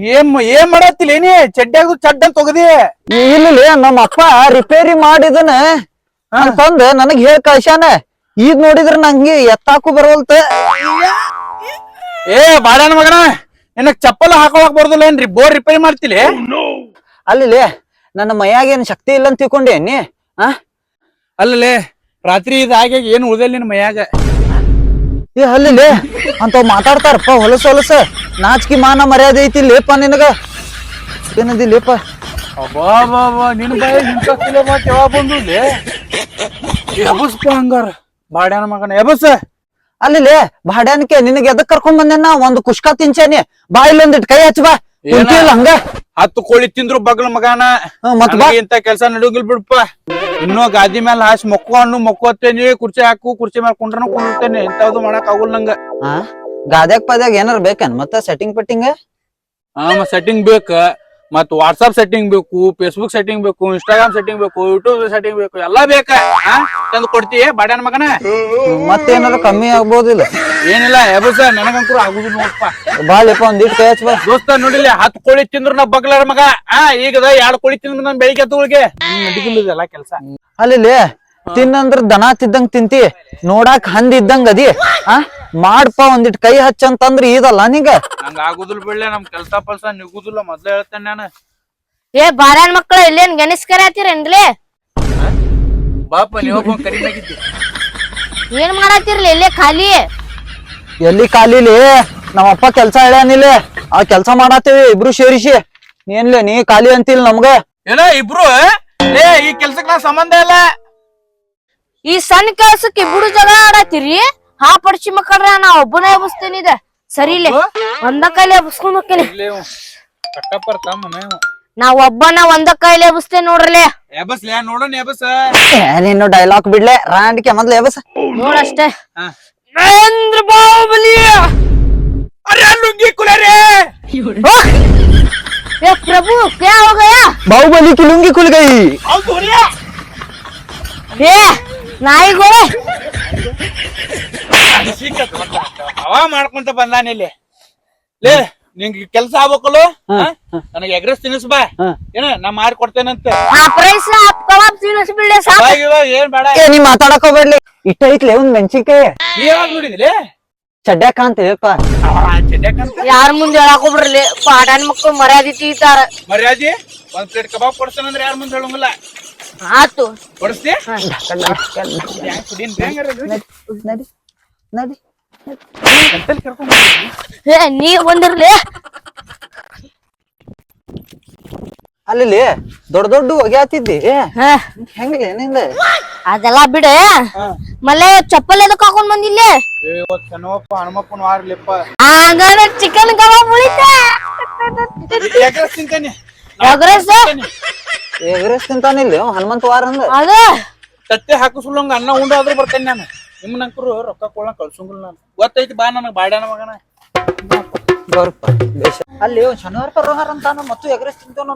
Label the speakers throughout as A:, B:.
A: ಏನ್ ಮಾಡತ್ತಿಲ್ಲ ಏನಿ ಚಡ್ಡ್ಯಾಗ ಚಡ್ಡ ತೊಗದಿ
B: ಇಲ್ಲಿ ನಮ್ಮ ಅಪ್ಪ ರಿಪೇರಿ ಮಾಡಿದನ ಅಂತಂದ ನನಗ್ ಹೇಳ್ ಕಳ್ಸ್ಯಾನ. ಈಗ ನೋಡಿದ್ರ ನಂಗೆ ಎತ್ತಾಕು ಬರವಲ್ತ.
A: ಏ ಬಾಡನ ಮಗನ ನಿನಗ್ ಚಪ್ಪಲ್ ಹಾಕೊಳಕ್ ಬರ್ದಿಲ್ಲ ಏನ್ರಿ ಬೋರ್ ರಿಪೇರಿ ಮಾಡ್ತಿಲಿ.
B: ಅಲ್ಲಿ ನನ್ನ ಮೈಯಾಗ ಏನ್ ಶಕ್ತಿ ಇಲ್ಲ ಅಂತ ತಿಳ್ಕೊಂಡೇನಿ.
A: ಅಲ್ಲೇ ರಾತ್ರಿ ಇದಾಗ್ಯಾಗ ಏನ್ ಉಳ್ದಲ್ ನಿನ್ ಮೈಯಾಗ.
B: ಏ ಅಲ್ಲಿ ಅಂತವ್ ಮಾತಾಡ್ತಾರಪ್ಪ ಹೊಲಸ ಹೊಲಸ. ನಾಚಿಕೆ ಮಾನ ಮರ್ಯಾದೆ ಐತಿ ಲೇಪ ನಿನಗ ಏನದಿ ಲೇಪ.
A: ಅಬ್ಬಾ ನಿನ್ ಬಾಯಿ ಇಂತ ಮಾತು ಯಾವಾಗ ಬಂದು ಎಬಸ್ಪ ಹಂಗಾರ ಬಾಡ್ಯಾನ ಮಗನ ಎಬಸ್.
B: ಅಲ್ಲಿ ಬಾಡ್ಯಾನಕ್ಕೆ ನಿನಗೆ ಎದಕ್ ಕರ್ಕೊಂಡ್ ಬಂದೇನ ಒಂದ್ ಕುಷ್ಕ ತಿಂಚಾನಿ ಬಾ ಇಲ್ಲೊಂದಿಟ್ ಕೈ ಹಚ್ಚ ಬಾ. ಹಂಗ
A: 10 ಕೋಳಿ ತಿಂದ್ರು ಬಗ್ಲ ಮಗನ ಇಂತ ಕೆಲ್ಸ ನಡುಗಿಲ್ ಬಿಡಪ್ಪ. ಇನ್ನೂ ಗಾದಿ ಮೇಲೆ ಹಾಸಿ ಮಕ್ಕೋತೇನಿ ಕುರ್ಚಿ ಹಾಕು ಕುರ್ಚಿ ಮೇಲೆ ಕುಂಡ್ರನು ಕುಂಡಿರ್ತೇನೆ ಇಂಥವ್ದು ಮಾಡಕ್ ಆಗುಲ್ ನಂಗ.
B: ಗಾದ್ಯಾಗ ಪಾದ್ಯಾಗ ಏನಾರ ಬೇಕನ್ ಮತ್ತ ಸೆಟ್ಟಿಂಗ್ ಪಟ್ಟಿಂಗ್.
A: ಸೆಟ್ಟಿಂಗ್ ಬೇಕ ಮತ್ ವಾಟ್ಸ್ಆಪ್ ಸೆಟ್ಟಿಂಗ್ ಬೇಕು, ಫೇಸ್ಬುಕ್ ಸೆಟ್ಟಿಂಗ್ ಬೇಕು, ಇನ್ಸ್ಟಾಗ್ರಾಮ್ ಸೆಟ್ಟಿಂಗ್ ಬೇಕು, ಯೂಟ್ಯೂಬ್ ಸೆಟ್ಟಿಂಗ್ ಬೇಕು, ಎಲ್ಲಾ ಬೇಕ. ತಂದು ಕೊಡ್ತೀಯ ಬಾಡ್ಯಾನ ಮಗನ.
B: ಮತ್ತೇನಾರ ಕಮ್ಮಿ ಆಗ್ಬೋದಿಲ್ಲ.
A: ಏನಿಲ್ಲ ಎಬಸ ನನಗಂಕರು ಆಗುದಿಲ್ಲ ನೋಡಪ್ಪ.
B: ಬಾಳಿಪ್ಪ ಒಂದಿಟ್ ಕೈ ಹಚ್ಚ ಬಾ.
A: ದೋಸ್ತ ನೋಡಿಲ್ಲ 10 ಕೋಳಿ ತಿಂದ್ರು ನಾ ಬಗ್ಲಾರ ಮಗ. ಈಗದ 2 ಕೋಳಿ ತಿಂದ್ರು ನನ್ ಬೆಳಿಗ್ಗೆ ಎತ್ತುಗಳಿಗೆ ನಡಿಗಿಲ್ಲ ಕೆಲ್ಸ.
B: ಅಲ್ಲಿ ತಿನ್ನಂದ್ರ ದನ ತಿದ್ದಂಗ ತಿಂತಿ ನೋಡಾಕ್ ಹಂದಿ ಇದ್ದಂಗ ಅದಿ. ಮಾಡ್ಪ ಒಂದಿಟ್ ಕೈ ಹಚ್ಚ ಅಂತಂದ್ರ ಇದಲ್ಲ ನೀಗ.
A: ನಂಗ ಆಗುದಿಲ್ಲ ಬಿಡ್ಲೆ ನಮ್ ಕೆಲ್ಸ ಪಲ್ಸ ನಿಗುದಿಲ್ಲ ಮೊದ್ಲೇ ಹೇಳ್ತೇನೆ ನಾನು.
C: ಏ ಬಾರ್ಯಾನ್ ಮಕ್ಳ ಇಲ್ಲೇನ್ ಗಣೇಶ್ ಹತ್ತೀರೇನ್ಲೇ?
A: ಬಾಪ ನೀವೊಬ್ಬ ಕರಿನಾಗಿದ್ದಿ.
C: ಏನ್ ಮಾಡತ್ತೀರ್ಲಿ ಇಲ್ಲೇ ಖಾಲಿ?
B: ಎಲ್ಲಿ ಖಾಲಿಲಿ ನಮ್ಮಪ್ಪ ಕೆಲ್ಸ ಹೇಳ್ಯಾನಿಲ್ಲ ಆ ಕೆಲ್ಸ ಮಾಡಾತೇವಿ ಇಬ್ರು ಸೇರಿಸಿ. ಏನ್ಲೇ ನೀ ಖಾಲಿ ಅಂತಿಲ್ ನಮ್ಗ.
A: ಏನ ಇಬ್ರು ಈ ಕೆಲ್ಸಕ್ ನಾ ಸಂಬಂಧ ಇಲ್ಲ.
C: ಈ ಸಣ್ಣ ಕೆಲ್ಸಕ್ಕೆ ಇಬ್ರು ಜಗ ಆಡತ್ತೀರಿ. ಹಾ ಪಡ್ಸಿ ಮಕ್ಕಳ್ರ ನಾ ಒಬ್ಬನೇ ಎಬ್ಸ್ತೇನಿ. ಇದ ಸರಿ ಇಲ್ಲ ಒಂದ ಕೈಲಿ ಎಬ್ಸ್ಕೊಂಡ್ ಹೋಗ್ತೇನೆ. ನಾ ಒಬ್ಬನ ಒಂದ ಕೈಲಿ ಎಬ್ಸ್ತೇನೆ ನೋಡ್ರಲೆ.
A: ಎಬಸ್ಲೆ ನೋಡೋಣ ಎಬಸ್.
B: ನೀನು ಡೈಲಾಗ್ ಬಿಡ್ಲೆ ರಾಂಡ್ಕೆ ಮೊದ್ಲು ಎಬಸ್
C: ನೋಡಷ್ಟೇ.
A: ಮಹೇಂದ್ರ ಬಾಹುಬಲಿ ಅರೆ ಲುಂಗಿ ಕುಲರೆ.
C: ए प्रभु क्या हो गया?
B: बाहुबली की लुंगी खुल गई.
C: ए नाई गोळे
A: ಹವಾ ಮಾಡ್ಕೊಂತ ಬಂದಾನಿಲ್ಲಿ. ಲೇ ನಿಂಗೆ ಕೆಲ್ಸ ಆಗ್ಬೇಕಲ್ಲ ನನಗೆ ಎಗ್ರೆಸ್ ತಿನ್ನಿಸ್ ಬಾ. ಏನ ನಾ ಮಾಡಿ ಕೊಡ್ತೇನಂತ.
C: ಕಬಾಬ್ ತಿನ್ನಿಸ್ ಬಿಡ್ಲೆ ಸಾಕು.
A: ಏನ್ ಬೇಡ
B: ನೀ ಮಾತಾಡಕ್ ಹೋಗ್ಬೇಡ್ಲಿ. ಇಷ್ಟ ಐತ್ಲೆ ಒಂದ್ ಮೆಣಸಿನ್ಕಾಯಿ
A: ಯಾವಾಗ ನೋಡಿದ್ರಿ
B: ಚಡ್ಡ್ಯಾಕ ಅಂತೇಳಪ್ಪ.
C: ಯಾರ ಮುಂದೆ ಹೇಳಕ್ ಹೋಗ್ಬಿಡ್ರಿ. ಪಾಡನ್ ಮಕ್ಳು ಮರ್ಯಾದೆ ತೀತಾರ.
A: ಮರ್ಯಾದೆ ಒಂದ್ ಪ್ಲೇಟ್ ಕಬಾಬ್ ಕೊಡ್ತೇನಂದ್ರೆ ಯಾರ ಮುಂದೆ ಹೇಳಂಗಿಲ್ಲ.
C: ಆತು
A: ಕೊಡಿಸ್ತಿ
B: ನಡಿ ನಡಿ
C: ನೀ ಬಂದಿರ್ಲಿ.
B: ಅಲ್ಲಿ ದೊಡ್ಡ ದೊಡ್ಡ ಹೊಗ್ಯಾತಿದ್ದಿ ಹೆಂಗಿಲ್ಲ ನಿಂದ.
C: ಅದೆಲ್ಲ ಬಿಡ ಮಲ್ಲೆ ಚಪ್ಪಲ್ ಎದಕ್ ಹಾಕೊಂಡ್ ಬಂದಿಲ್ಲೇ?
A: ಚೆನ್ನಪ್ಪ ಹನುಮಪ್ಪನ ವಾರ್ಲಿಪ್ಪ.
C: ಆಗ ಚಿಕನ್ ಕಬಾಬ್ ಉಳಿತ
A: ಎಗ್ರೆಸ್ ತಿಂತೇನೆ.
B: ಎಗ್ರೆಸ್ ತಿಂತಾನಿಲ್ಲ ಹನುಮಂತ ವಾರ ಅಂದ.
C: ಅದ
A: ತಟ್ಟೆ ಹಾಕಿಸ್ಲಂಗ ಅನ್ನ ಉಂಡಾದ್ರೂ ಬರ್ತೇನೆ ನಾನು. ನಿಮ್ಮನಂಕರು ರೊಕ್ಕ ಕೊಡ ಕಳ್ಸಂಗಿಲ್ಲ ನಾನು. ಗೊತ್ತೈತಿ ಬಾ ನನಗ್ ಬಾಡ್ಯಾನ ಮಗನ.
B: ಅಲ್ಲಿ ಶನಿವಾರ ಪರವಾರ ಅಂತಾನ ಮತ್ತು ಎಗ್ರೆಸ್ ತಿಂತಾನ.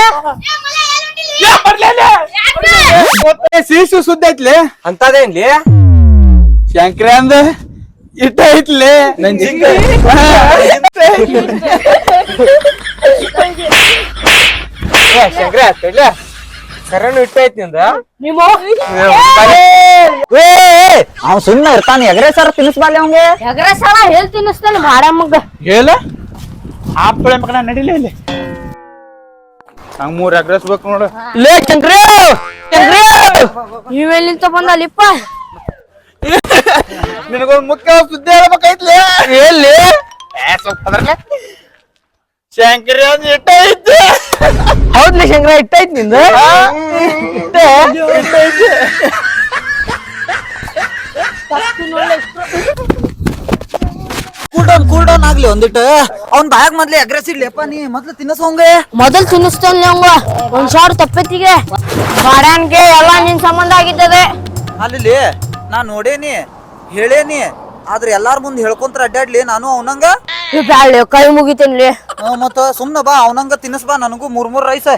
A: ಸೀಸು ಸುದ್ದ ಐತ್ಲಿ ಅಂತದೇನ್ಲಿ ಶಂಕ್ರ ಅಂದ ಇಟ್ಟ ಐತ್ಲಿ ನನ್ ಶಂಕ್ರ ಆಗ್ತೈಲ್ಲ ಕರೆನು ಇಟ್ಟ ಐತಿ ನಿಂದ.
B: ಅವ್ ಸುಮ್ಮನೆ ಇರ್ತಾನ ಎಗ್ರೆಸ್ ತಿನ್ನಿಸ್ಬಾಲಿ ಅವಂಗೆ.
C: ಎಗ್ರೆಸ್ ಹೇಳ್ ತಿನ್ನಿಸ್ತಾನೆ ಬಾಡ ಮಗ.
A: ಹೇಳ ಆಪಳೆ ಮಗನ ನಡಿಲೇ ಇಲ್ಲಿ ನಂಗ್ 3 ಎಗ್ರೆಸ್ ಬೇಕು ನೋಡು.
B: ಲೇ ಶಂಕ್ರ
C: ನೀವೆಲ್ಲಿಂತ ಬಂದಲ್ಲಿಪ್ಪ?
A: ನಿನಗೊಂದು ಮುಖ್ಯ ಸುದ್ದಿ ಹೇಳ್ಬೇಕೈತ್ಲಿ.
B: ಎಲ್ಲಿ
A: ಶಂಕರ ಇಟ್ಟ ಐತಿ.
B: ಹೌದ್ಲಿ ಶಂಕರ ಇಟ್ಟ ಐತಿ ನಿಂದ. ಕೂಲ್ ಡೌನ್ ಆಗ್ಲಿ ಒಂದಿಟ್ಟು. ಅವ್ನ್ ಬಾಯಾಗ ಮೊದ್ಲು ಎಗ್ರೆಸ್ ಇಡ್ಲಿಪ್ಪ ನೀ ಮೊದ್ಲು ತಿನ್ನಸೋಂಗೆ.
C: ಮೊದಲ್ ತಿನ್ನಿಸ್ತೇನೆ ಅವಂಗ ಒಂದ್ ಸಾವಿರ ತಪ್ಪತ್ತಿಗೆ. ಬಾಡ್ಯಾನ್ಗೆ ಎಲ್ಲಾ ನಿನ್ ಸಂಬಂಧ ಆಗಿದ್ದದೆ.
B: ಅಲ್ಲಿ ನಾ ನೋಡೇನಿ ಹೇಳೇನಿ ಆದ್ರೆ ಎಲ್ಲಾರ ಮುಂದ್ ಹೇಳ್ಕೊಂತ್ರ ಅಡ್ಡಾಡ್ಲಿ ನಾನು ಅವನಂಗ.
C: ಬ್ಯಾಳೆ ಕೈ ಮುಗಿತೇನ್ಲಿ.
B: ಮತ್ತ ಸುಮ್ನ ಬಾ ಅವನಂಗ ತಿನ್ನಸ್ ಬಾ ನನಗೂ 3 ರೈಸ್.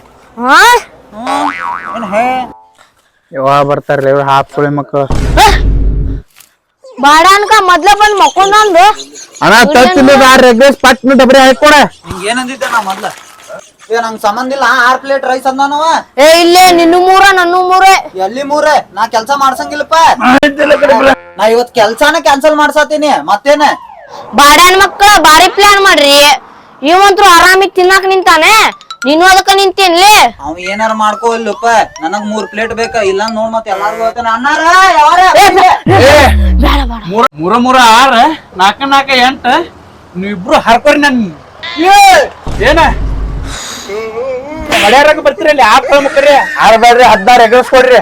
A: ಯಾವಾಗ ಬರ್ತಾರಲ್ಲ ಇವ್ರು ಹಾಪ್ಕೊಳ್ಳಿ ಮಕ್ಕಳು.
C: ಬಾಡ್ಯಾನ್ಕ ಮೊದ್ಲ ಬಂದ್ ಮಕ್ಕೊಂಡ್
A: ಅಣ್ಣ ತತ್ತಿಲ್ಲ ಎಗ್ರೆಸ್ ಪಟ್ನ ಡಬ್ರಿ ಹಾಕೊಡ.
B: ಹಿಂಗ ಏನಂದಿದ್ದೆ ನಾ ಮೊದ್ಲ ನಂಗ್ ಸಂಬಂಧ ಇಲ್ಲ 6 ಪ್ಲೇಟ್ ರೈಸ್ ಅಂದಾನವ.
C: ಏ ಇಲ್ಲೇ ನಿನ್ನು 3 ನನ್ನ 3
B: ಎಲ್ಲಿ 3 ನಾ ಕೆಲ್ಸ ಮಾಡ್ಸಂಗಿಲ್ಲಪ್ಪ. ನಾ ಇವತ್ ಕೆಲ್ಸಾನ ಕ್ಯಾನ್ಸಲ್ ಮಾಡ್ಸಾತೀನಿ ಮತ್ತೇನ.
C: ಬಾಡ್ಯಾನ ಮಕ್ಕಳ ಬಾರಿ ಪ್ಲಾನ್ ಮಾಡ್ರಿ. ಇವಂತ್ರು ಆರಾಮಿಗ್ ತಿನ್ನಾಕ ನಿಂತಾನೆ, ನೀನು ಅದಕ್ಕ ನಿಂತೇನ್ಲಿ.
B: ಅವ್ ಏನಾರ ಮಾಡ್ಕೋ ಇಲ್ಲಪ್ಪ, ನನಗ್ 3 ಪ್ಲೇಟ್ ಬೇಕ. ಇಲ್ಲ ನೋಡ್ ಮತ್ ಎಲ್ಲಾರ್ಗು ಹೇಳ್ತಾನ ಅಣ್ಣಾರ ಯಾವಾರ
C: ಬೇಡ ಬೇಡ.
A: 3 3 6 4 4 8 ನೀವಿಬ್ರು ಹರ್ಕೋರಿ ನನ್ ಏನ ಮಡ್ಯಾರಾಗ ಬರ್ತೀರಲ್ಲಿ 6 ಮುಖರಿ 6 ಬೇಡ್ರಿ 16 ಎಗ್ರೆಸ್ ಕೊಡ್ರಿ.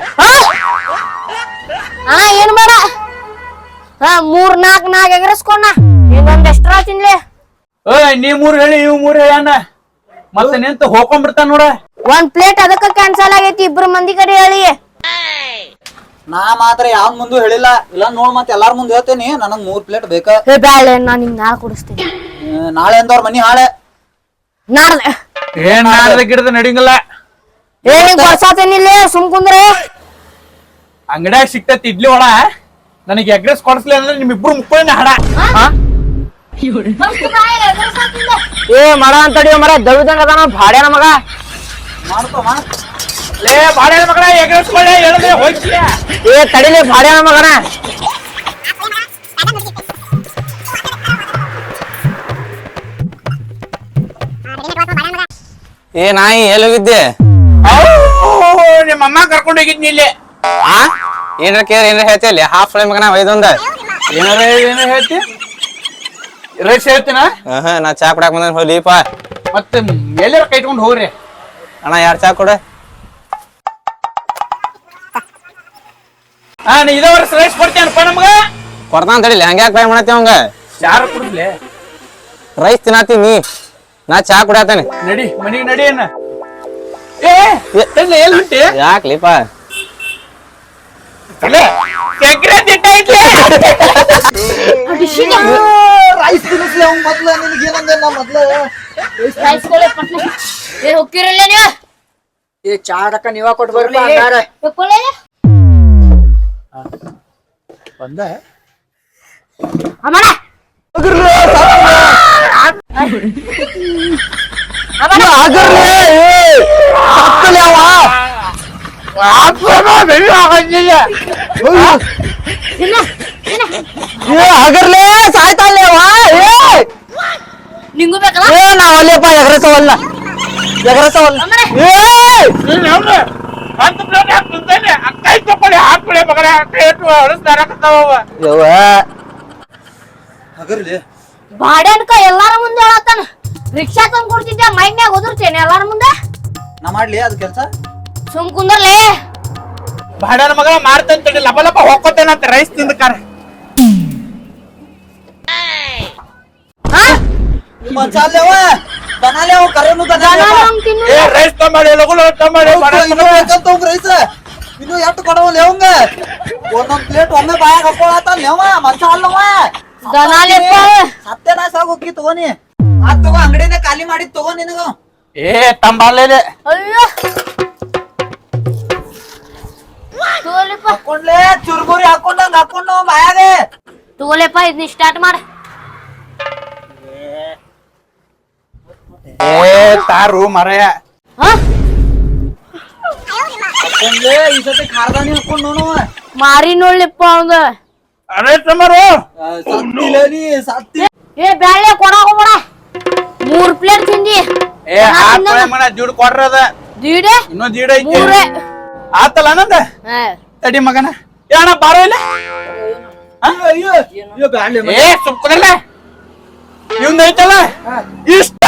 C: ಏನ್ ಬೇಡ. 3 4 4 ಎಗರಸ್ಕೊಂಡ ಇನ್ನೊಂದ್ ಎಕ್ಸ್ಟ್ರಾ ತಿನ್ಲಿ.
A: ನೀ 3 ಹೇಳಿ ಇವ್ 3 ಹೇಳಣ್ಣ ಮತ್ತೆ ನಿಂತ ಹೋಗ್ಕೊಂಡ್ಬಿಡ್ತಾನ ನೋಡ.
C: 1 ಪ್ಲೇಟ್ ಅದಕ್ಕ ಕ್ಯಾನ್ಸಲ್ ಆಗೈತಿ. 2 ಮಂದಿ ಕಡೆ ಹೇಳಿ.
B: ನಾ ಮಾತ್ರ ಯಾವ್ ಮುಂದೆ ಹೇಳಿಲ್ಲ. ಇಲ್ಲ ನೋಡ್ ಮತ್ ಎಲ್ಲಾರ ಮುಂದೆ ಹೇಳ್ತೇನಿ ನನಗ್ 3 ಪ್ಲೇಟ್ ಬೇಕ.
C: ಬ್ಯಾಳೆ ನಾನ್ ನಿಂಗ್ ನಾಳೆ ಕೊಡಿಸ್ತೀನಿ.
B: ನಾಳೆ ಅಂದವ್ರ ಮನಿ ಹಾಳೆ.
C: ನಾಳೆ
A: ಏನ್ ನಾಳೆ ಗಿಡದ ನಡಿಂಗಿಲ್ಲ.
C: ನಿಂಗ್ ಕೊಡ್ಸಾತೇನಿಲ್ಲ, ಸುಮ್ ಕುಂದ್ರೆ.
A: ಅಂಗಡ್ಯಾಗ ಸಿಕ್ತತಿ ಇಡ್ಲಿ ಒಳ. ನನಗೆ ಎಗ್ರೆಸ್ ಕೊಡ್ಸ್ಲಿ ಅಂದ್ರೆ ನಿಮ್ಮಿಬ್ರು ಮುಕ್ಕೊಳ್ಳಿ ಹಡ.
C: ಏ ಮರ ಅಂತಡಿಯೋ ಮರ ದವಿದಂಗ ಅದಾನ ಭಾಡ್ಯಾನ ಮಗ.
B: ಮಾಡ್ಕೋ
A: ಲೇ ಬಾಡ್ಯಾನ ಮಗನ ಎಗ್ರೆಸ್ ಕೊಳ್ಳೆ ಹೇಳಿದ್ರೆ ಹೋಗ್ತೀಯ.
C: ಏ ತಡಿಲಿ ಭಾಡ್ಯಾನ ಮಗನ.
D: ಏ ನಾಯಿ ಎಲ್ಲಿ ಹೋಗಿದ್ದೆ?
A: ನಿಮ್ಮ ಅಮ್ಮ ಕರ್ಕೊಂಡು ಹೋಗಿದ್ನಿ ಇಲ್ಲಿ.
D: ಏನ್ರ ಕೇರ್ ಏನ್ರ ಹೇಳ್ತಿ ಅಲ್ಲಿ ಹಾಫ್ ಫ್ರೈ ಮಗನ ಒಯ್ದೊಂದ
A: ಏನಾರ ಏನ ಹೇಳ್ತಿ? ರೈಸ್ ಹೇಳ್ತೀನ.
D: ನಾ ಚಾ ಕುಡಾಕ್ ಬಂದ ಹೋಲಿಪ.
A: ಮತ್ತೆ ಎಲ್ಲಾರ ಕೈಟ್ಕೊಂಡು ಹೋಗ್ರಿ.
D: ಅಣ್ಣ 2 ಚಾ ಕೊಡ.
A: ನೀ ಇದೇ ವರ್ಷ ರೈಸ್ ಕೊಡ್ತೇನಪ್ಪ ನಮ್ಗ.
D: ಕೊಡ್ತಾನ ತಡಿಲಿ ಹಂಗ್ಯಾಕ್ ಬೈ ಮಾಡತ್ತಿ ಅವಂಗ.
A: ಚಾರ ಕುಡಿದ್ಲೆ
D: ರೈಸ್ ತಿನ್ನತ್ತೀನಿ, ನಾ ಚಾ ಕುಡಾತೇನೆ.
A: ನಡಿ ಮನಿಗೆ ನಡಿ ಅನ್ನ. ಎಲ್ಲಿ ಹೊಂಟಿ?
D: ಯಾಕ್ಲಿಪ
B: ರೈಸ್ ತಿನ್ನಿಸ್ಲಿ ಅವ್ನ್ ಮೊದ್ಲ. ನಿನಗೆ ಏನಂದ ನಾ ಮೊದ್ಲ
C: ಹೋಗಿರಲ್ಲ ನೀವು.
B: ಏ ಚಾಡಕ ನೀವ ಕೊಟ್ಟು ಬರ್ಲಿ.
A: ಬಂದ
C: ಅಮ್ಮನ
B: ಹಗರ್ಲೆ ಸಾಯ್ತಾಳ್ಲೇವ.
C: ನಿಂಗೂ ಬೇಕಲ್ಲ.
B: ನಾವ್ ಅಲ್ಲೇಪ ಎಗರಸವಲ್ಲ ಎಗರಸವಲ್ಲ. ಹಗರ್ಲೆ
C: ಬಾಡ್ಯಾನ್ಕ ಎಲ್ಲಾರ ಮುಂದೆ ಹೇಳತ್ತಾನ. ರಿಕ್ಷಾ ತಂದ್ ಕೊಡ್ತಿದ್ದೆ ಮೈನ್ಯಾಗ ಒದರ್ತೇನೆ ಎಲ್ಲಾರ ಮುಂದೆ.
B: ನಾ ಮಾಡ್ಲಿ ಅದ್ ಕೆಲ್ಸ.
C: ಸುಮ್ ಕುಂದರ್ಲೆ.
A: ಬಾಡ್ಯಾನ ಮಗ ಮಾಡ್ತಂತೇಳಿ ಲಪ ಲಪ ಹೋಗ್ಕೋತೇನಂತ ರೈಸ್ ತಿಂದಕಾರ.
B: ಮಚಾಲ್ಲೇವ ದನಾಲೇವ ಕರೆನು ದನಾಲೇವ.
A: ರೈಸ್ ತಂಬಾಡಿ ಲಗುಲು ತಂಬಾಡಿ
B: ರೈಸ್ ಇನ್ನು ಎಷ್ಟು ಕೊಡವಲ್ಲ ಅವಂಗ. ಒಂದೊಂದ್ ಪ್ಲೇಟ್ ಒಮ್ಮೆ ಬಾಯಾಗ ಹಾಕೊಳತ್ತ ಲೇವ ಮನ್ಸ ಅಲ್ಲವ.
C: ದನಾಲೆಪ್ಪ
B: ಸತ್ಯನಾಶ ಆಗೋಗಿ ತಗೋನಿ. ಅದ್ ತಗೋ ಅಂಗಡಿನ ಖಾಲಿ ಮಾಡಿ ತಗೋ ನಿನಗ.
A: ತಂಬಾಲೆ
C: ಅಯ್ಯೋ ತಗೋಲೆಪ್ಪ.
B: ಹಾಕೊಂಡ್ಲೆ ಚುರ್ಮುರಿ ಹಾಕೊಂಡಂಗ ಹಾಕೊಂಡು ಬಾಯಾಗ.
C: ತಗೋಲೆಪ್ಪ ಇದನ್ನ ಸ್ಟಾರ್ಟ್ ಮಾಡ.
A: ತಾರು ಮರಯ
B: ಹಾಕೊಂಡ್ಲೆ ಈ ಸತಿ ಖಾರದಾನಿ ಹಾಕೊಂಡ್ ನೋಡವ.
C: ಮಾರಿ ನೋಡ್ಲಿಪ್ಪ ಅವಂಗ.
A: ಅರೆ ತಮ್ಮರು
B: ಸತ್ತಿಲ್ಲ ನೀ ಸತ್ತಿ.
C: ಏ ಬ್ಯಾಳೆ ಕೊಡಾಕೋಬೇಡ. 3 ಪ್ಲೇಟ್ ತಿಂದಿ.
A: ಮನ ದೀಡ್ ಕೊಡ್ರದ
C: ದೀಡೆ
A: ಇನ್ನೂ ದೀಡ್ ಐತಿ.
C: 3
A: ಆತಲ್ಲ ನಂದ ತಡಿ ಮಗನ. ಏನ ಬಾರೋ ಇಲ್ಲ.
B: ಅಯ್ಯೋ ಬ್ಯಾಡ್ಲೆ
A: ಸುಮ್ಕುದಲ್ಲ ಇವಂದ ಐತಲ್ಲ ಇಷ್ಟ